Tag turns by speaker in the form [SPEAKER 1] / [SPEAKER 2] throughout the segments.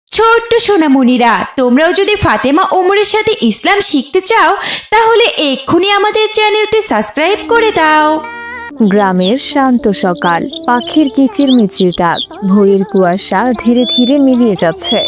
[SPEAKER 1] ছোট্ট সোনামণিরা, তোমরাও যদি ফাতেমা ওমরের সাথে ইসলাম শিখতে চাও তাহলে এক্ষুনি আমাদের চ্যানেলটি সাবস্ক্রাইব করে দাও।
[SPEAKER 2] গ্রামের শান্ত সকাল, পাখির কিচিরমিচির ডাক, ভোরের কুয়াশা ধীরে ধীরে মিলিয়ে যাচ্ছে।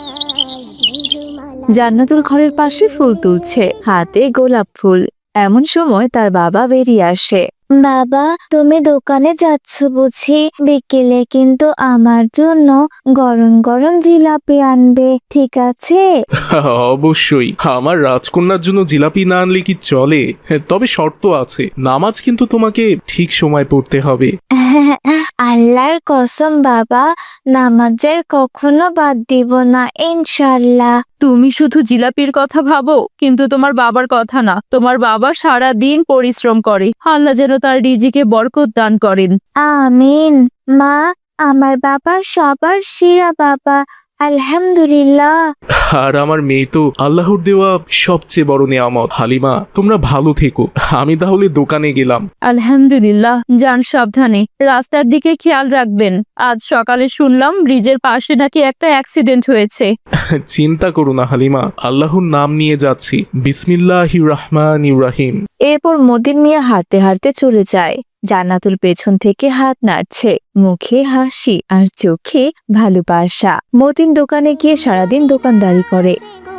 [SPEAKER 2] জান্নাতুল ঘরের পাশে ফুল তুলছে, হাতে গোলাপ ফুল। এমন সময় তার বাবা বেরিয়ে আসে।
[SPEAKER 3] বাবা, তুমি দোকানে যাচ্ছ বুঝি? বিকেলে কিন্তু আমার জন্য গরম গরম জিলাপি আনবে, ঠিক আছে?
[SPEAKER 4] অবশ্যই, আমার রাজকন্যার জন্য জিলাপি না আনলে কি চলে? তবে শর্ত আছে, নামাজ কিন্তু তোমাকে ঠিক সময় পড়তে হবে।
[SPEAKER 3] আল্লাহর কসম বাবা, নামাজের কখনো বাদ দিব না ইনশাল্লাহ।
[SPEAKER 2] তুমি শুধু জিলাপির কথা ভাবো, কিন্তু তোমার বাবার কথা না। তোমার বাবা সারা দিন পরিশ্রম করে, আল্লাহ যেন তার রিজিকে বরকত দান করেন।
[SPEAKER 3] আমিন। মা, আমার বাবা সবার সেরা বাবা, আলহামদুলিল্লাহ।
[SPEAKER 4] আর আমার মেয়ে তো আল্লাহর দেওয়া সবচেয়ে বড় নেয়ামত। হালিমা, তোমরা ভালো থেকো, আমি তাহলে দোকানে গেলাম।
[SPEAKER 2] আলহামদুলিল্লাহ, যান সাবধানে, রাস্তার দিকে খেয়াল রাখবেন। আজ সকালে শুনলাম ব্রিজের পাশে নাকি একটা অ্যাক্সিডেন্ট হয়েছে।
[SPEAKER 4] চিন্তা করো না হালিমা, আল্লাহর নাম নিয়ে যাচ্ছি। বিসমিল্লাহির রহমানির রহিম।
[SPEAKER 2] এরপর মতিন মিয়া হাঁটতে হাঁটতে চলে যায়। জান্নাতুল পেছন থেকে হাত নাড়ছে, মুখে হাসি আর চোখে ভালোবাসা। মতিন দোকানে গিয়ে সারাদিন দোকানদারি করে।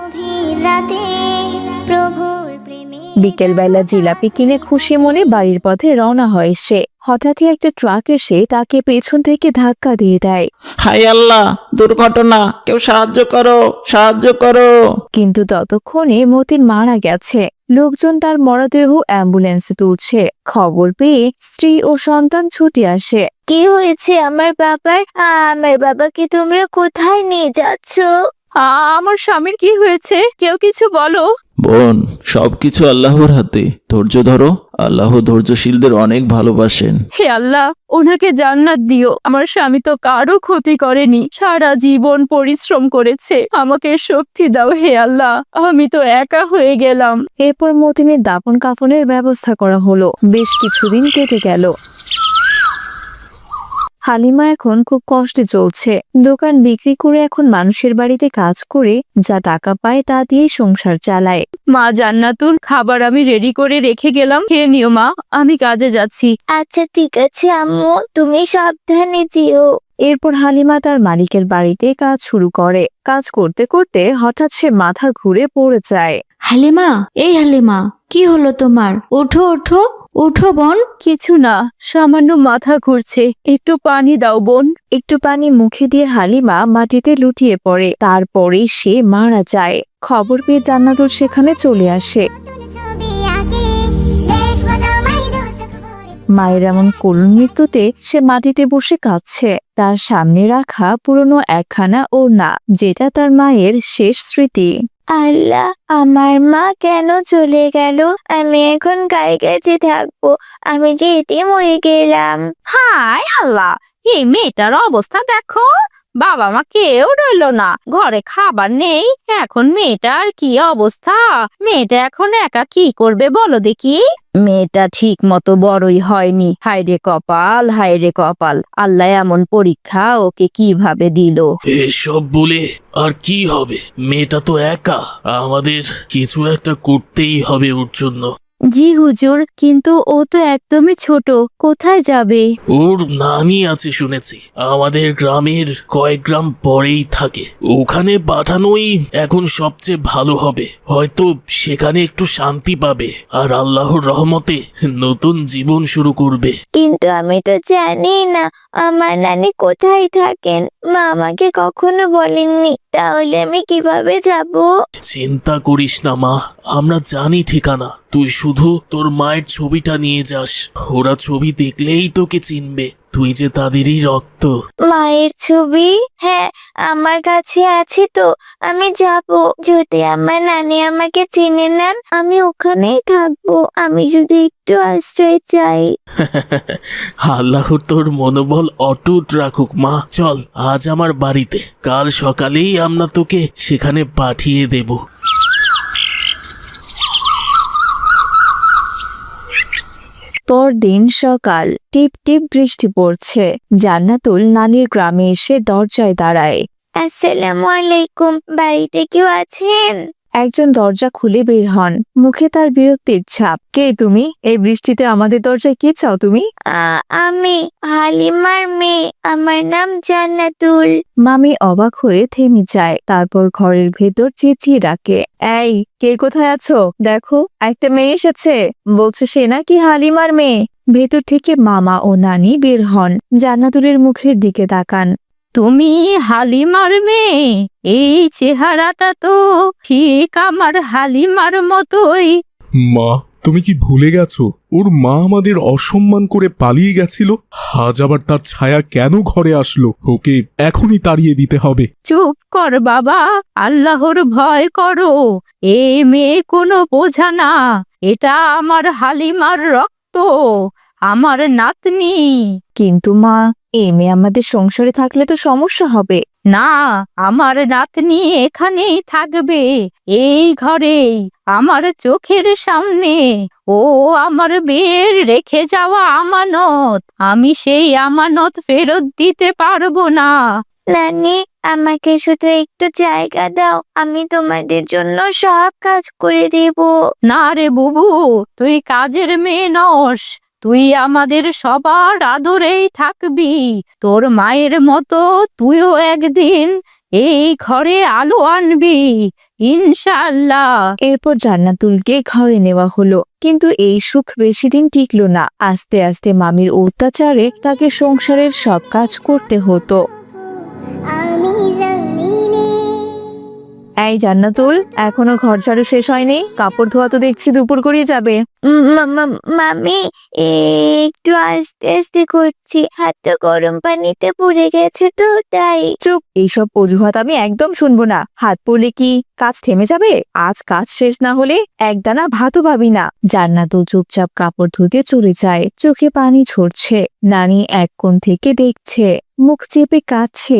[SPEAKER 2] বিকেলবেলা জিলাপি কিনে খুশি মনে বাড়ির পথে রওনা হয় সে। হঠাৎই একটা ট্রাক এসে তাকে পেছন থেকে ধাক্কা দিয়ে দেয়।
[SPEAKER 5] হাই আল্লাহ, দুর্ঘটনা, কেউ সাহায্য করো, সাহায্য করো।
[SPEAKER 2] কিন্তু ততক্ষণে মতিন মারা গেছে। লোকজন তার মরদেহ অ্যাম্বুলেন্সে তুলছে। খবর পেয়ে স্ত্রী ও সন্তান ছুটে আসে।
[SPEAKER 3] কি হয়েছে আমার বাবার? আমার বাবাকে তোমরা কোথায় নিয়ে যাচ্ছ?
[SPEAKER 2] আমার স্বামীর কি হয়েছে? কেউ কিছু বলো।
[SPEAKER 5] বোন, সবকিছু আল্লাহর হাতে, ধৈর্য ধরো। আল্লাহ ধৈর্যশীলদের অনেক ভালোবাসেন।
[SPEAKER 2] হে আল্লাহ, ওনাকে জান্নাত দিও। আমার স্বামী তো কারো ক্ষতি করেনি, সারা জীবন পরিশ্রম করেছে। আমাকে শক্তি দাও হে আল্লাহ, আমি তো একা হয়ে গেলাম। এরপর মতিনের দাফন কাফনের ব্যবস্থা করা হলো। বেশ কিছুদিন কেটে গেল। হালিমা এখন খুব কষ্টে চলছে। দোকান বিক্রি করে এখন মানুষের বাড়িতে কাজ করে যা টাকা পায় তা দিয়েই সংসার চালায়। মা জান্নাতুল, খাবার আমি রেডি করে রেখে গেলাম, খেয়ে নিও মা, আমি কাজে যাচ্ছি।
[SPEAKER 3] আচ্ছা ঠিক আছে আম্মু, তুমি সাবধানে যেও।
[SPEAKER 2] এরপর হালিমা তার মালিকের বাড়িতে কাজ শুরু করে। কাজ করতে করতে হঠাৎ সে মাথা ঘুরে পড়ে যায়।
[SPEAKER 1] হালিমা, এই হালিমা, কি হলো তোমার? ওঠো ওঠো ওঠো বোন।
[SPEAKER 2] কিছু না, সামান্য মাথা ঘুরছে, একটু পানি দাও বোন। একটু পানি মুখে দিয়ে হালিমা মাটিতে লুটিয়ে পড়ে। তারপরেই সে মারা যায়। খবর পেয়ে জান্নাতুল সেখানে চলে আসে। মায়ের এমন করুণ মৃত্যুতে সে মাটিতে বসে কাঁদছে। তার সামনে রাখা পুরনো একখানা ওড়না, যেটা তার মায়ের শেষ স্মৃতি।
[SPEAKER 3] আল্লাহ, আমার মা কেন চলে গেল? আমি এখন কার কাছে থাকবো? আমি যে এতিম হয়ে গেলাম।
[SPEAKER 6] হায় আল্লাহ, এই মেয়েটার অবস্থা দেখো। বাবা মা কেউ রইলো না, ঘরে খাবার নেই। এখন মেয়েটার কি অবস্থা? মেয়েটা এখন একা কি করবে বলো দেখি? মেয়েটা ঠিক মতো বড়ই হয়নি। হায়রে কপাল, হায়রে কপাল, আল্লাহ এমন পরীক্ষা ওকে কিভাবে দিল।
[SPEAKER 7] এসব বলে আর কি হবে? মেয়েটা তো একা, আমাদের কিছু একটা করতেই হবে ওর জন্য।
[SPEAKER 2] জি হুজুর, কিন্তু ও তো একদমই ছোট, কোথায় যাবে?
[SPEAKER 7] ওর নানি আছে শুনেছি, আমাদের গ্রামের কয়েক গ্রাম পরেই থাকে। ওখানে পাঠানোই এখন সবচেয়ে ভালো হবে। হয়তো সেখানে একটু শান্তি পাবে আর আল্লাহর রহমতে নতুন জীবন শুরু করবে।
[SPEAKER 3] কিন্তু আমি তো জানি না আমার নানি কোথায় থাকেন। মা আমাকে কখনো বলেননি, তাহলে আমি কিভাবে যাব?
[SPEAKER 7] চিন্তা করিস না মা, আমরা জানি ঠিকানা। তুই শুধু তোর মায়ের ছবিটা নিয়ে যাস, ওরা ছবি দেখলেই তোকে চিনবে, তুই যে তাদেরই রক্ত।
[SPEAKER 3] মায়ের ছবি? হ্যাঁ, আমার কাছে আছে তো, আমি যাব। যদি আমার নানি আমাকে চিনে নেন, আমি ওখানেই থাকবো। আমি যদি একটু আশ্রয় চাই।
[SPEAKER 7] আল্লাহর তোর মনোবল অটুট রাখুক মা। চল আজ আমার বাড়িতে, কাল সকালেই আমরা তোকে সেখানে পাঠিয়ে দেব।
[SPEAKER 2] পরদিন সকাল, টিপ টিপ বৃষ্টি পড়ছে। জান্নাতুল নানির গ্রামে এসে দরজায় দাঁড়ায়।
[SPEAKER 3] আসসালামু আলাইকুম, বাড়িতে কেউ আছেন?
[SPEAKER 2] একজন দরজা খুলে বের হন, মুখে তার বিরক্তির ছাপ। কে তুমি? এই বৃষ্টিতে আমাদের দরজায় কি চাও তুমি?
[SPEAKER 3] আমি হালিমার মেয়ে, আমার নাম জান্নাতুল।
[SPEAKER 2] মামি অবাক হয়ে থেমে যায়, তারপর ঘরের ভেতর চেঁচিয়ে ডাকে, এই কে কোথায় আছো? দেখো একটা মেয়ে এসেছে, বলছে সে নাকি হালিমার মেয়ে। ভেতর থেকে মামা ও নানি বের হন, জান্নাতুলের মুখের দিকে তাকান।
[SPEAKER 6] তুমি হালিমার মেয়ে? এই চেহারাটা তো ঠিক আমার হালিমার মতোই।
[SPEAKER 4] মা, তুমি কি ভুলে গেছো ওর মা আমাদের অসম্মান করে পালিয়ে গেছিল? আজ আবার তার ছায়া কেন ঘরে আসলো? ওকে এখনই তাড়িয়ে দিতে হবে।
[SPEAKER 6] চুপ কর বাবা, আল্লাহর ভয় করো। এই মেয়ে কোনো বোঝা না, এটা আমার হালিমার রক্ত, আমার নাতনি।
[SPEAKER 2] কিন্তু মা, এই মেয়ে আমাদের সংসারে থাকলে তো সমস্যা হবে।
[SPEAKER 6] না, আমার নাতনি এখানেই থাকবে, এই ঘরেই, আমার চোখের সামনে। ও আমার বিয়ের রেখে যাওয়া আমানত, আমি সেই আমানত ফেরত দিতে পারবো না।
[SPEAKER 3] নানি, আমাকে শুধু একটু জায়গা দাও, আমি তোমাদের জন্য সব কাজ করে দেব।
[SPEAKER 6] না রে বুবু, তুই কাজের মেয়ে নস, তুই আমাদের সবার আদরেই থাকবি। তোর মায়ের মতো তুইও একদিন এই ঘরে আলো আনবি, ইনশাআল্লাহ।
[SPEAKER 2] এরপর জান্নাতুলকে ঘরে নেওয়া হলো, কিন্তু এই সুখ বেশি দিন টিকলো না। আস্তে আস্তে মামির অত্যাচারে তাকে সংসারের সব কাজ করতে হতো। এই জান্নাতুল, এখনো ঘর ঝাড়ু শেষ হয়নি? কাপড় ধোয়া তো দেখছি দুপুর গড়িয়ে যাবে।
[SPEAKER 3] মামি, একটু আস্তে আস্তে করছি, হাতটা গরম পানিতে পড়ে গেছে তো তাই।
[SPEAKER 2] চুপ, এইসব অজুহাত আমি একদম শুনবো না। হাত পড়লে কি কাজ থেমে যাবে? আজ কাজ শেষ না হলে একদানা ভাতও পাবি না। জান্নাতুল চুপচাপ কাপড় ধুতে চলে যায়, চোখে পানি ঝরছে। নানি এক কোণ থেকে দেখছে, মুখ চেপে কাঁদছে।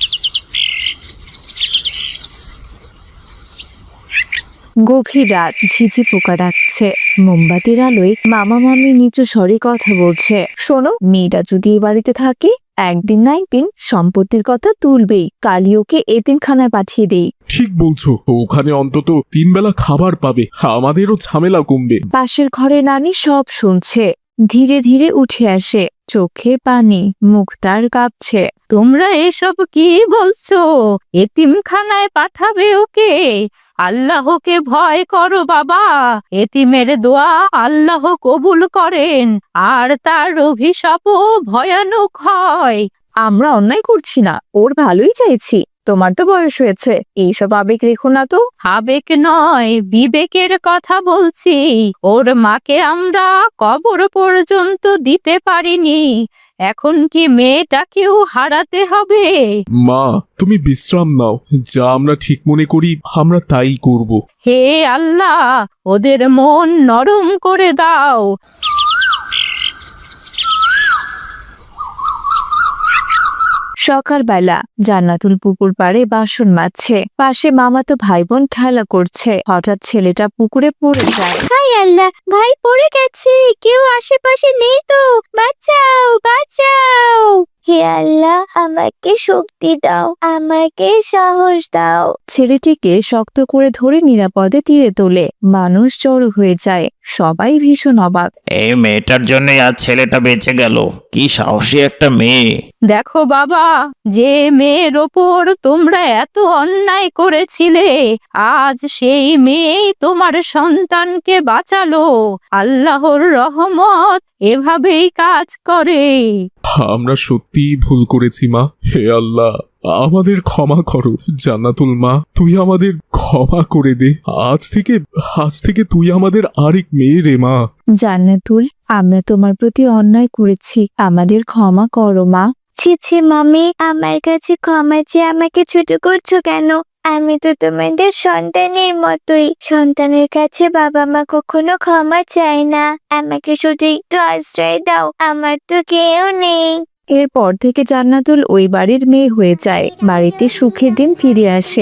[SPEAKER 2] গভীর রাত, ঝিঝি পোকা ডাকছে। মোমবাতির আলোয় মামা মামি নিচু স্বরে কথা বলছে। শোনো, মেয়েটা যদি এ বাড়িতে থাকে, একদিন না একদিন সম্পত্তির কথা তুলবেই। কালি ওকে এতিমখানায় পাঠিয়ে দেই।
[SPEAKER 4] ঠিক বলছো, ওখানে অন্তত 3 বেলা খাবার পাবে, আমাদেরও ঝামেলা কমবে।
[SPEAKER 2] পাশের ঘরে নানি সব শুনছে, ধীরে ধীরে উঠে আসে, চোখে পানি, মুখ তার কাঁপছে।
[SPEAKER 6] তোমরা এসব কি বলছো? এতিমখানায় পাঠাবে ওকে? আল্লাহকে ভয় করো বাবা, এতিমের দোয়া আল্লাহ কবুল করেন, আর তার অভিশাপও ভয়ানক হয়।
[SPEAKER 2] আমরা অন্যায় করছি না, ওর ভালোই চাইছি। তোমার তো বয়স হয়েছে, এইসব আবেগ রেখো না তো।
[SPEAKER 6] আবেগ নয়, বিবেকের কথা বলছি। ওর মাকে আমরা কবর পর্যন্ত দিতে পারিনি, এখন কি মেয়েটাকেও হারাতে হবে?
[SPEAKER 4] মা, তুমি বিশ্রাম নাও, যা আমরা ঠিক মনে করি আমরা তাই করব।
[SPEAKER 6] হে আল্লাহ, ওদের মন নরম করে দাও।
[SPEAKER 2] সকালবেলা জান্নাতুল পুকুর পাড়ে বাসন মাজছে, পাশে মামাতো ভাই বোন খেলা করছে। হঠাৎ ছেলেটা পুকুরে পড়ে যায়।
[SPEAKER 3] হাই আল্লাহ, ভাই পড়ে গেছে, কেউ আশেপাশে নেই তো, বাঁচাও বাঁচাও। হে আল্লাহ, আমাকে শক্তি দাও, আমাকে সাহস দাও।
[SPEAKER 2] ছেলেটিকে শক্ত করে ধরে নিরাপদে তীরে তোলে। মানুষ জড়ো হয়ে যায়, সবাই ভীষণ অবাক।
[SPEAKER 5] এই মেয়েটার জন্যই আজ ছেলেটা বেঁচে গেল। কি সাহসী একটা মেয়ে!
[SPEAKER 6] দেখো বাবা, যে মেয়ের ওপর তোমরা এত অন্যায় করেছিলে, আজ সেই মেয়েই তোমার সন্তানকে বাঁচালো। আল্লাহর রহমত এভাবেই কাজ করে।
[SPEAKER 4] আমরা সত্যিই ভুল করেছি মা। হে আল্লাহ, আমাদের ক্ষমা করো। জান্নাতুল মা, তুই আমাদের ক্ষমা করে দে। আজ থেকে তুই আমাদের আরেক মেয়ে রে মা।
[SPEAKER 2] জান্নাতুল, আমরা তোমার প্রতি অন্যায় করেছি, আমাদের ক্ষমা করো মা।
[SPEAKER 3] ছি ছি মামি, আমার কাছে ক্ষমা চেয়ে আমাকে ছোট করছো কেন? আমি তো তোমাদের সন্তানের মতোই। সন্তানের কাছে বাবা মা কখনো ক্ষমা চায় না। আমাকে শুধু একটু আশ্রয় দাও, আমার তো কেউ নেই।
[SPEAKER 2] এরপর থেকে জান্নাতুল ওই বাড়ির মেয়ে হয়ে যায়। বাড়িতে সুখের দিন ফিরে আসে।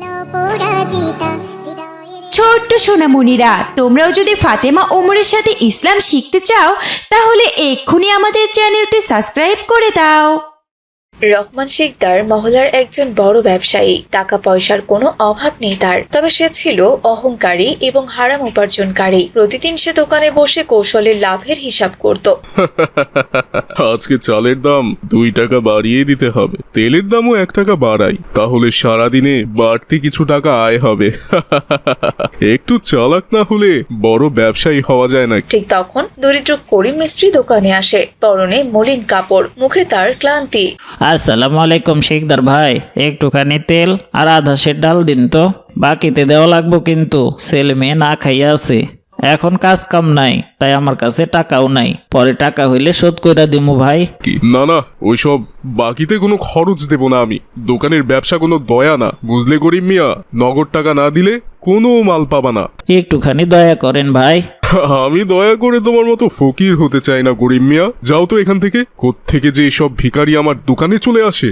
[SPEAKER 1] ছোট্ট সোনামণিরা, তোমরাও যদি ফাতেমা ওমরের সাথে ইসলাম শিখতে চাও, তাহলে এক্ষুনি আমাদের চ্যানেলটি সাবস্ক্রাইব করে দাও।
[SPEAKER 8] রহমান শিকদার মহল্লার একজন বড় ব্যবসায়ী। টাকা পয়সার কোনো অভাব নেই তার, তবে সে ছিল অহংকারী এবং হারাম উপার্জনকারী। প্রতিদিন সে দোকানে বসে কৌশলে লাভের হিসাব করত।
[SPEAKER 4] আজকে চালের দাম 2 টাকা বাড়িয়ে দিতে হবে, তেলের দামও 1 টাকা বাড়াই, তাহলে সারাদিনে বাড়তি কিছু টাকা আয় হবে। একটু চালাক না হলে বড় ব্যবসায়ী হওয়া যায় না।
[SPEAKER 8] ঠিক তখন দরিদ্র করিম মিস্ত্রি দোকানে আসে, পরনে মলিন কাপড়, মুখে তার ক্লান্তি।
[SPEAKER 9] আসসালামু আলাইকুম শিকদার ভাই, একটুখানি তেল আর আধা সের ডাল দিন তো, বাকিতে দেওয়া লাগবো কিন্তু, ছেলে মেয়ে না খাইয়া আছে, এখন কাজ কাম নাই, তাই আমার কাছে টাকাও নাই, পরে টাকা হইলে শোধ কইরা দিমু ভাই।
[SPEAKER 4] কি না না, ওইসব বাকিতে কোনো খরচ দেব না আমি। দোকানের ব্যবসা কোনো দয়া না, বুঝলে গরিব মিয়া? নগদ টাকা না দিলে কোনো মাল পাবা না।
[SPEAKER 9] একটুখানি দয়া করেন ভাই।
[SPEAKER 4] আমি দয়া করে তোমার মতো ফকির হতে চাই না গরিব মিয়া, যাও তো এখান থেকে। কোত্থেকে যে এসব ভিখারি আমার দোকানে চলে আসে।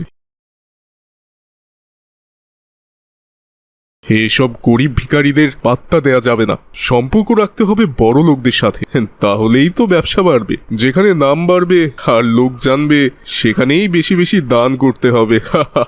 [SPEAKER 4] এসব গরিব ভিখারিদের পাত্তা দেয়া যাবে না, সম্পর্ক রাখতে হবে বড় লোকদের সাথে, তাহলেই তো ব্যবসা বাড়বে। যেখানে নাম বাড়বে আর লোক জানবে, সেখানেই বেশি বেশি দান করতে হবে।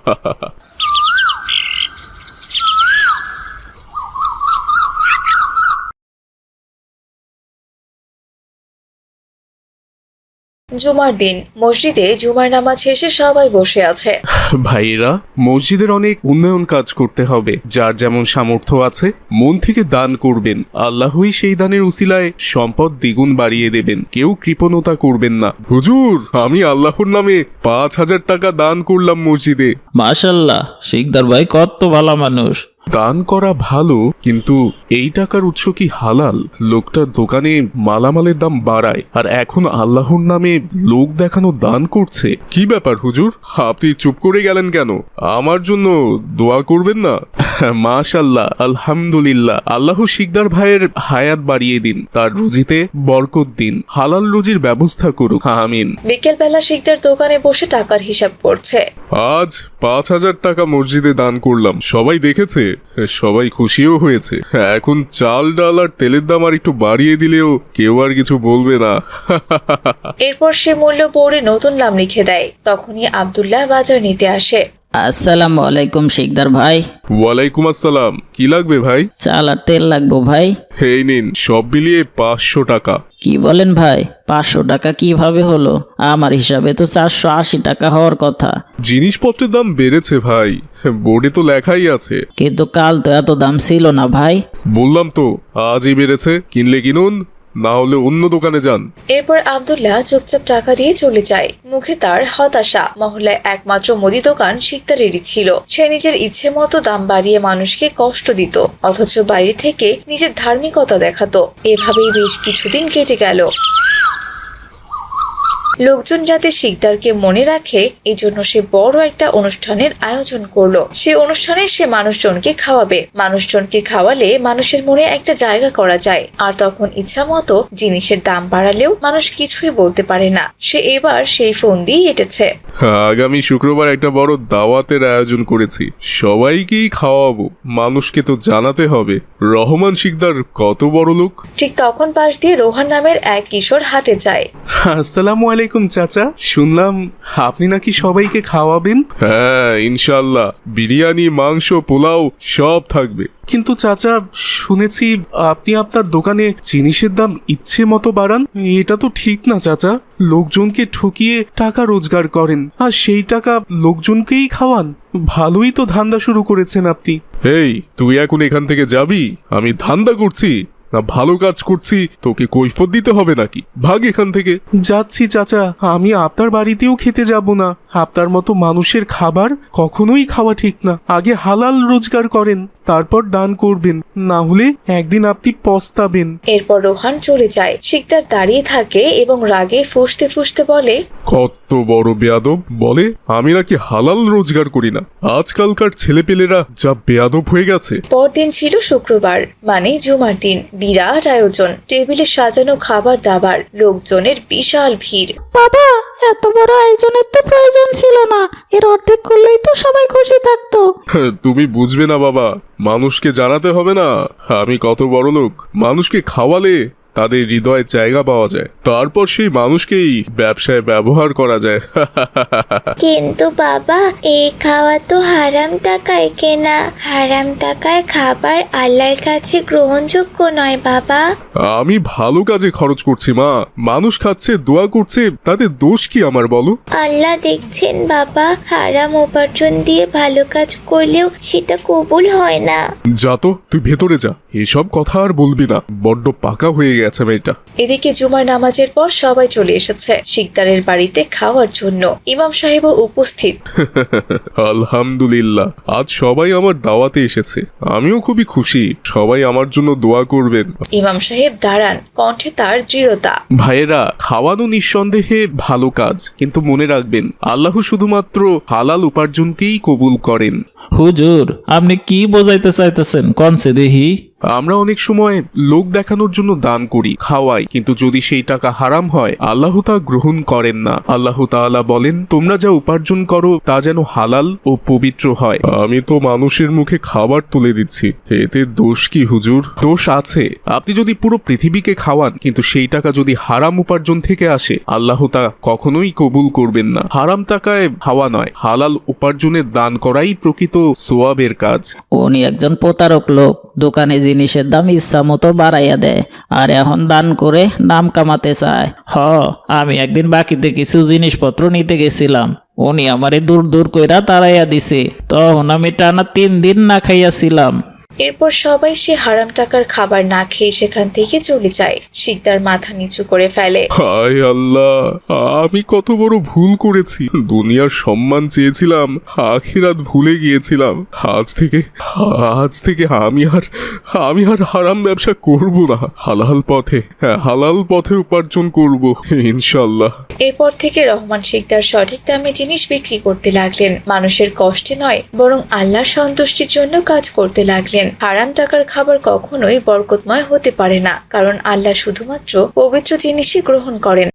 [SPEAKER 8] জুমার দিন মসজিদে জুমার নামাজ শেষে সবাই বসে আছে।
[SPEAKER 4] ভাইয়েরা, মসজিদের অনেক উন্নয়ন কাজ করতে হবে। যার যেমন সামর্থ্য আছে মন থেকে দান করবেন, আল্লাহই সেই দানের উসিলায় সম্পদ দ্বিগুণ বাড়িয়ে দেবেন। কেউ কৃপণতা করবেন না। হুজুর, আমি আল্লাহর নামে 5,000 টাকা দান করলাম মসজিদে।
[SPEAKER 9] মাশাল্লাহ, শিকদার ভাই কত ভালো মানুষ।
[SPEAKER 4] দান করা ভালো, কিন্তু এই টাকার উৎস কি হালাল? লোকটা দোকানে মালামালের দাম বাড়ায়, আর এখন আল্লাহর নামে লোক দেখানো দান করছে। কি ব্যাপার হুজুর, আপনি চুপ করে গেলেন কেন? আমার জন্য দোয়া করবেন না? মাশাল্লাহ, আলহামদুলিল্লাহ। আল্লাহ শিকদার ভাইয়ের হায়াত বাড়িয়ে দিন, তার রুজিতে বরকত দিন, হালাল রুজির ব্যবস্থা করুক, আমিন।
[SPEAKER 8] বিকেলবেলা শিকদার দোকানে বসে টাকার হিসাব করছে।
[SPEAKER 4] আজ 5,000 টাকা মসজিদে দান করলাম, সবাই দেখেছে, সবাই খুশিও হয়েছে। এখন চাল ডাল আর তেলের দাম আর একটু বাড়িয়ে দিলেও কেউ আর কিছু বলবে না।
[SPEAKER 8] এরপর সে মূল্য বোর্ডে নতুন নাম লিখে দেয়। তখনই আব্দুল্লাহ বাজার নিতে আসে।
[SPEAKER 9] আসসালামু আলাইকুম শিকদার ভাই।
[SPEAKER 4] ওয়ালাইকুম আসসালাম। কি লাগবে ভাই?
[SPEAKER 9] চাল আর তেল লাগবো ভাই।
[SPEAKER 4] এই নিন, সব মিলিয়ে 500 টাকা।
[SPEAKER 9] কি বলেন ভাই, 500 টাকা কিভাবে হলো? আমার হিসাবে তো 480 টাকা হওয়ার কথা।
[SPEAKER 4] জিনিসপত্রের দাম বেড়েছে ভাই, বোর্ডে তো লেখাই আছে।
[SPEAKER 9] কিন্তু কাল তো এত দাম ছিল না ভাই।
[SPEAKER 4] বললাম তো আজই বেড়েছে, কিনলে কিনুন, না হলে অন্য দোকানে যান।
[SPEAKER 8] এরপর আব্দুল্লাহ চুপচাপ টাকা দিয়ে চলে যায়। মুখে তার হতাশা। মহল্লায় একমাত্র মুদি দোকান শিকদারেরই ছিল। সে নিজের ইচ্ছে মতো দাম বাড়িয়ে মানুষকে কষ্ট দিত, অথচ বাইরে থেকে নিজের ধার্মিকতা দেখাতো। এভাবেই বেশ কিছুদিন কেটে গেল। লোকজন যাতে শিকদারকে মনে রাখে, এই জন্য সে বড় একটা অনুষ্ঠানের আয়োজন করলো। সে অনুষ্ঠানে সে মানুষজনকে খাওয়াবে। মানুষজনকে খাওয়ালে মানুষের মনে একটা জায়গা করা যায়, আর তখন ইচ্ছা মতো জিনিসের দাম বাড়ালেও মানুষ কিছুই বলতে পারে না। সে এবার সেই ফোন দিয়ে এঁটেছে।
[SPEAKER 4] আগামী শুক্রবার একটা বড় দাওয়াতের আয়োজন করেছি, সবাইকেই খাওয়াবো। মানুষকে তো জানাতে হবে রহমান শিকদার কত বড় লোক।
[SPEAKER 8] ঠিক তখন পাশ দিয়ে রোহান নামের এক কিশোর হাটে যায়।
[SPEAKER 10] আসসালামু আলাইকুম চাচা, শুনলাম আপনি নাকি সবাইকে খাওয়াবেন।
[SPEAKER 4] হ্যাঁ, ইনশাল্লাহ, বিরিয়ানি, মাংস, পোলাও সব থাকবে।
[SPEAKER 10] কিন্তু চাচা, শুনেছি আপনি আপনার দোকানে জিনিসের দাম ইচ্ছে মতো বাড়ান। এটা তো ঠিক না চাচা। লোকজনকে ঠকিয়ে টাকা রোজগার করেন, আর সেই টাকা লোকজনকেই খাওয়ান। ভালোই তো ধান্দা শুরু করেছেন আপনি।
[SPEAKER 4] এই, তুই এখন এখান থেকে যাবি? আমি ধান্দা করছি না ভালো কাজ করছি তোকে কৈফত দিতে হবে নাকি? ভাগ এখান থেকে।
[SPEAKER 10] যাচ্ছি চাচা, আমি আপনার বাড়িতেও খেতে যাব না। আপনার মতো মানুষের খাবার কখনোই খাওয়া ঠিক না। আগে হালাল রোজগার করেন, তারপর দান করবেন, না হলে একদিন আপনি পস্তাবেন।
[SPEAKER 8] এরপর রোহান চলে যায়। শিকদার দাঁড়িয়ে থাকে এবং রাগে ফুঁসতে ফুঁসতে বলে,
[SPEAKER 4] কত বড় বেয়াদব! বলে আমি নাকি হালাল রোজগার করি না। আজকালকার ছেলেপেলেরা যা বেয়াদব হয়ে গেছে।
[SPEAKER 8] পরদিন ছিল শুক্রবার, মানে জুমার দিন। বিরাট আয়োজন, টেবিলে সাজানো খাবার দাবার, লোকজনের বিশাল ভিড়।
[SPEAKER 2] বাবা, এত বড় আয়োজনের তো প্রয়োজন ছিল না, এর অর্ধেক করলেই তো সবাই খুশি থাকতো।
[SPEAKER 4] তুমি বুঝবে না বাবা, মানুষকে জানাতে হবে না আমি কত বড় লোক। মানুষকে খাওয়ালে তাদের হৃদয়ে জায়গা পাওয়া যায়, তারপর সেই মানুষকেই ব্যবসায় ব্যবহার করা যায়।
[SPEAKER 3] কিন্তু বাবা, এই খাওয়া তো হারাম টাকায় কেনা। হারাম টাকায় খাবার আল্লাহর কাছে গ্রহণযোগ্য নয় বাবা।
[SPEAKER 4] আমি ভালো কাজে খরচ করছি মা, মানুষ খাচ্ছে, দোয়া করছে, তাতে দোষ কি আমার বলো?
[SPEAKER 3] আল্লাহ দেখছেন বাবা, হারাম উপার্জন দিয়ে ভালো কাজ করলেও সেটা কবুল হয় না।
[SPEAKER 4] যা তো, তুই ভেতরে যা, এসব কথা আর বলবি না, বড্ড পাকা হয়ে গেছে মেয়েটা।
[SPEAKER 8] এদিকে জুমার নামাজের পর সবাই চলে এসেছে শিকদারের বাড়িতে খাওয়ার জন্য। ইমাম সাহেবও উপস্থিত।
[SPEAKER 4] আলহামদুলিল্লাহ, আজ সবাই আমার দাওয়াতে এসেছে, আমিও খুবই খুশি। সবাই আমার জন্য দোয়া করবেন।
[SPEAKER 8] ইমাম সাহেব দাঁড়ান, কণ্ঠে তার দৃঢ়তা।
[SPEAKER 10] ভাইয়েরা, খাওয়ানো নিঃসন্দেহে ভালো কাজ, কিন্তু মনে রাখবেন আল্লাহ শুধুমাত্র হালাল উপার্জনকেই কবুল করেন।
[SPEAKER 9] হুজুর, আপনি কি বোঝাইতে চাইতেছেন কনসে দেহি?
[SPEAKER 10] আমরা অনেক সময় লোক দেখানোর জন্য দান করি, খাওয়াই, কিন্তু যদি সেই টাকা হারাম হয় আল্লাহ তা গ্রহণ করেন না। আল্লাহ তাআলা বলেন, তোমরা যা উপার্জন করো তা যেন হালাল ও পবিত্র হয়।
[SPEAKER 4] আমি তো মানুষের মুখে খাবার তুলে দিচ্ছি, এতে দোষ কি হুজুর?
[SPEAKER 10] দোষ আছে। আপনি যদি পুরো পৃথিবীকে খাওয়ান কিন্তু সেই টাকা যদি হারাম উপার্জন থেকে আসে, আল্লাহ তা কখনোই কবুল করবেন না। হারাম টাকায় খাওয়া নয়, হালাল উপার্জনের দান করাই প্রকৃত সোয়াবের কাজ।
[SPEAKER 9] উনি একজন প্রতারক লোক, দোকানে জিনিসের দাম ইচ্ছা মতো বাড়াইয়া দেয় আর এখন দান করে নাম কামাতে চায়। আমি একদিন বাকিতে কিছু জিনিসপত্র নিতে গেছিলাম, উনি আমারে দূর দূর কইরা তাড়াইয়া দিছে, তখন আমি টানা 3 দিন না খাইয়াছিলাম।
[SPEAKER 8] এরপর সবাই সে হারাম টাকার খাবার না খেয়ে সেখান থেকে চলে যায়। শিকদার মাথা নিচু করে ফেলে।
[SPEAKER 4] হায় আল্লাহ, আমি কত বড় ভুল করেছি। দুনিয়ার সম্মান চেয়েছিলাম, আখিরাত ভুলে গিয়েছিলাম। আজ থেকে আমি আর হারাম ব্যবসা করব না। হালাল পথে উপার্জন করব ইনশাল্লাহ।
[SPEAKER 8] এরপর থেকে রহমান শিকদার সঠিক দামে জিনিস বিক্রি করতে লাগলেন। মানুষের কষ্টে নয়, বরং আল্লাহর সন্তুষ্টির জন্য কাজ করতে লাগলেন। হারাম টাকার খাবার কখনোই বরকতময় হতে পারে না, কারণ আল্লাহ শুধুমাত্র পবিত্র জিনিসই গ্রহণ করেন।